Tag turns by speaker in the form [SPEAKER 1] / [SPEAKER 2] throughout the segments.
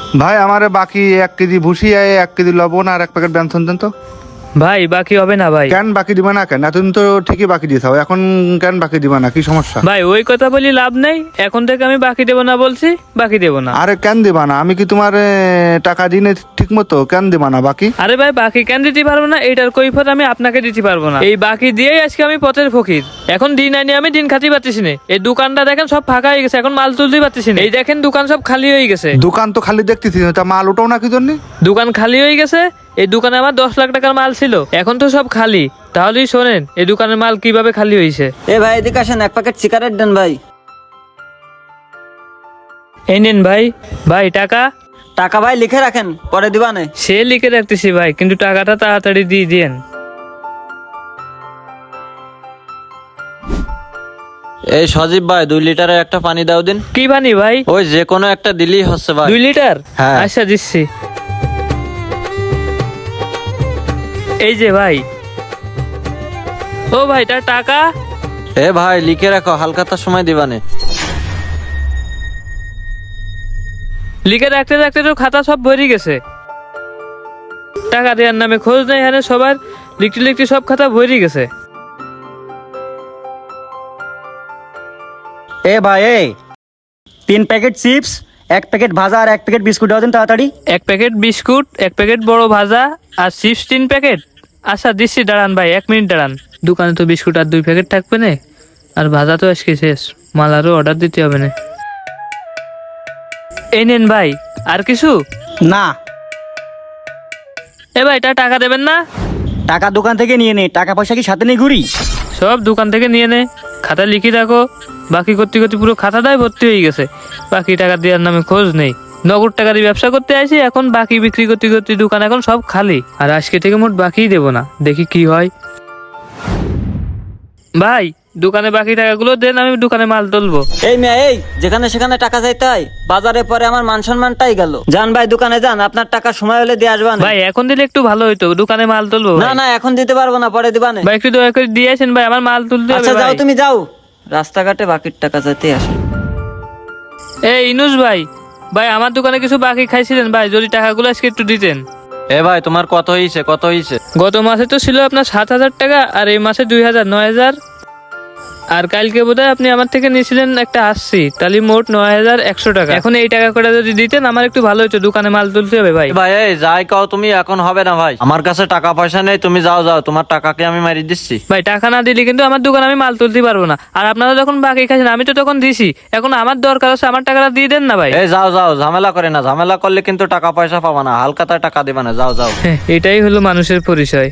[SPEAKER 1] ভাই আমারে বাকি 1 কেজি ভুসি, 1 কেজি লবণ আর 1 প্যাকেট ব্যঞ্জন দেন তো।
[SPEAKER 2] ভাই বাকি হবে না ভাই।
[SPEAKER 1] কেন বাকি দিবা না কেন? এতদিন তো ঠিকই বাকি দিয়েছাও, এখন কেন বাকি দিবা না? কি সমস্যা?
[SPEAKER 2] ভাই ওই কথা বলি লাভ নেই, এখন থেকে আমি বাকি দেবো না বলছি, বাকি দেবো না।
[SPEAKER 1] আরে কেন দিবা না? আমি কি তোমার টাকা দিনে ঠিক মতো? কেন দিবা না বাকি?
[SPEAKER 2] আরে ভাই বাকি কেন দিতে পারবো না? এটার কৈফিয়ত আমি আপনাকে দিতে পারবো না। এই বাকি দিয়েই আজকে আমি পথের ফকির। এখন দিন আনি আমি দিন খাতে পারতেছি না। এই দোকানটা দেখেন সব ফাঁকা হয়ে গেছে, এখন মাল তুলতে পারতেছি না। এই দেখেন দোকান সব খালি হয়ে গেছে।
[SPEAKER 1] দোকান তো খালি দেখতেছি, তা মাল ওটাও না কি জন্য?
[SPEAKER 2] দোকান খালি হয়ে গেছে। এই দোকানে আমার 10 লাখ টাকার মাল ছিল, এখন তো সব খালি। তাহলেই শোনেন এই দোকানের মাল কিভাবে খালি হয়েছে।
[SPEAKER 3] এ ভাই এদিকে আসেন, 1 প্যাকেট সিগারেট দেন ভাই।
[SPEAKER 2] এই নিন ভাই। ভাই টাকা?
[SPEAKER 3] টাকা ভাই লিখে রাখেন, পরে দিবানে।
[SPEAKER 2] সে লিখে রাখতেছি ভাই, কিন্তু টাকাটা তাড়াতাড়ি দিয়ে দিয়েন।
[SPEAKER 4] এই সজীব ভাই 2 লিটারের একটা পানি দাও দিন।
[SPEAKER 2] কি বানি ভাই?
[SPEAKER 4] ওই যে কোনো একটা দিলেই হচ্ছে ভাই।
[SPEAKER 2] 2 লিটার?
[SPEAKER 4] হ্যাঁ।
[SPEAKER 2] আচ্ছা দিচ্ছি। এই যে ভাই। ও ভাই তার টাকা?
[SPEAKER 4] এ ভাই লিখে রাখো, হালকাতার সময় দিবানে।
[SPEAKER 2] লিখে রাখতে রাখতে তো খাতা সব ভরে গেছে। টাকা দেওয়ার নামে খোঁজ নেই, এখানে সবার লিখতে লিখতে সব খাতা ভরে গেছে।
[SPEAKER 5] এ ভাই 3 প্যাকেট চিপস, 1 প্যাকেট ভাজা আর 1 প্যাকেট বিস্কুট দাও দিন তাড়াতাড়ি।
[SPEAKER 2] 1 প্যাকেট বিস্কুট, 1 প্যাকেট বড় ভাজা আর চিপস 3 প্যাকেট। আচ্ছা দিচ্ছি, দাঁড়ান ভাই 1 মিনিট দাঁড়ান। দোকানে তো বিস্কুট আর 2 প্যাকেট থাকবে না, আর ভাজা তো আজকে শেষ, মাল আরও অর্ডার দিতে হবে না। এই নেন ভাই। আর কিছু?
[SPEAKER 5] না,
[SPEAKER 2] এ ভাই তার টাকা দেবেন না?
[SPEAKER 5] টাকা দোকান থেকে নিয়ে নে, টাকা পয়সা কি সাথে নিয়ে ঘুরি?
[SPEAKER 2] সব দোকান থেকে নিয়ে নে, খাতা লিখে রাখো। বাকি করতে করতে পুরো খাতাটাই ভর্তি হয়ে গেছে। বাকি টাকা দেওয়ার নামে খোঁজ নেই। নগদ টাকা দিয়ে ব্যবসা করতে আসি, এখন বাকি বিক্রি করতে করতে দোকান এখন সব খালি। আর আজকে থেকে মোট বাকিই দেবো না, দেখি কি হয়। ভাই দোকানে বাকি টাকাগুলো দেন, আমি দোকানে মাল তুলবো।
[SPEAKER 3] এই মেয়ে এই, যেখানে সেখানে টাকা চাইতে হয়, বাজারে পরে আমার মান সম্মানটাই গেল। যান ভাই দোকানে যান, আপনার টাকা সময় হলে দিয়ে আসবান।
[SPEAKER 2] ভাই এখন দিলে একটু ভালো হইতো, দোকানে মাল তুলবো।
[SPEAKER 3] না না এখন দিতে পারবো না, পরে দিবানে।
[SPEAKER 2] ভাই একটু দয়া করে দিয়ে আসেন ভাই, আমার মাল তুলতে হবে
[SPEAKER 3] আচ্ছা যাও,
[SPEAKER 2] ভাই।
[SPEAKER 3] তুমি যাও, রাস্তাঘাটে বাকির টাকা চাইতে আসে।
[SPEAKER 2] এই ইনুস ভাই, ভাই আমার দোকানে কিছু বাকি খাইছিলেন ভাই, যদি টাকাগুলো আজকে একটু দিতেন।
[SPEAKER 4] এ ভাই তোমার কত হয়েছে, কত হয়েছে?
[SPEAKER 2] গত মাসে তো ছিল আপনার 7,000 টাকা, আর এই মাসে 2,000, 9,000। আর কালকে বোধহয় আপনি আমার থেকে নিয়েছিলেন একটা 80, তাহলে মোট 9,100 টাকা। এখন এই টাকা করে যদি দিতেন আমার একটু ভালো হতো, দোকানে মাল তুলতে হবে ভাই।
[SPEAKER 4] ভাই এই যাই কাও তুমি, এখন হবে না ভাই, আমার কাছে টাকা পয়সা নেই। তুমি যাও যাও, তোমার টাকাকে আমি মারি দিচ্ছি।
[SPEAKER 2] ভাই টাকা না দিলে কিন্তু আমার দোকানে আমি মাল তুলতে পারবো না। আর আপনারা যখন বাকি খাইছেন আমি তো তখন দিছি, এখন আমার দরকার আছে, আমার টাকাটা দিয়ে দেন না ভাই।
[SPEAKER 4] এই যাও যাও, ঝামেলা করে না, ঝামেলা করলে কিন্তু টাকা পয়সা পাবা না, হালকাতায় টাকা দিবা না, যাও যাও।
[SPEAKER 2] এটাই হলো মানুষের পরিচয়।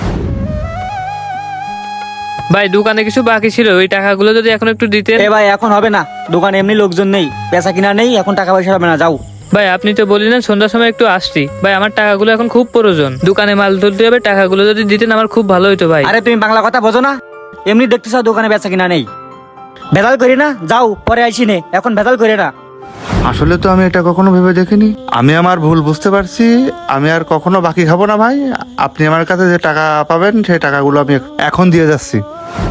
[SPEAKER 2] ভাই দোকানে কিছু বাকি ছিল, ওই টাকাগুলো যদি এখন একটু দিতেন।
[SPEAKER 5] এ ভাই এখন হবে না, দোকানে এমনি লোকজন নেই, বেচা কিনা নেই, এখন টাকা পয়সা হবে না, যাও।
[SPEAKER 2] ভাই আপনি তো বললেন সন্ধ্যার সময় একটু আসছি, ভাই আমার টাকাগুলো এখন খুব প্রয়োজন, দোকানে মাল তুলতে হবে, টাকাগুলো যদি দিতেন আমার খুব ভালো হতো ভাই।
[SPEAKER 5] আরে তুমি বাংলা কথা বোঝো না? এমনি দেখতেছ দোকানে বেচা কিনা নেই, ভেজাল করি না, যাও পরে আইসি নে, এখন ভেজাল করে না।
[SPEAKER 1] আসলে তো আমি এটা কখনো ভেবে দেখিনি। আমি আমার ভুল বুঝতে পারছি। আমি আর কখনো বাকি খাবো না ভাই। আপনি আমার কাছে যে টাকা পাবেন সেই টাকাগুলো আমি এখন দিয়ে যাচ্ছি।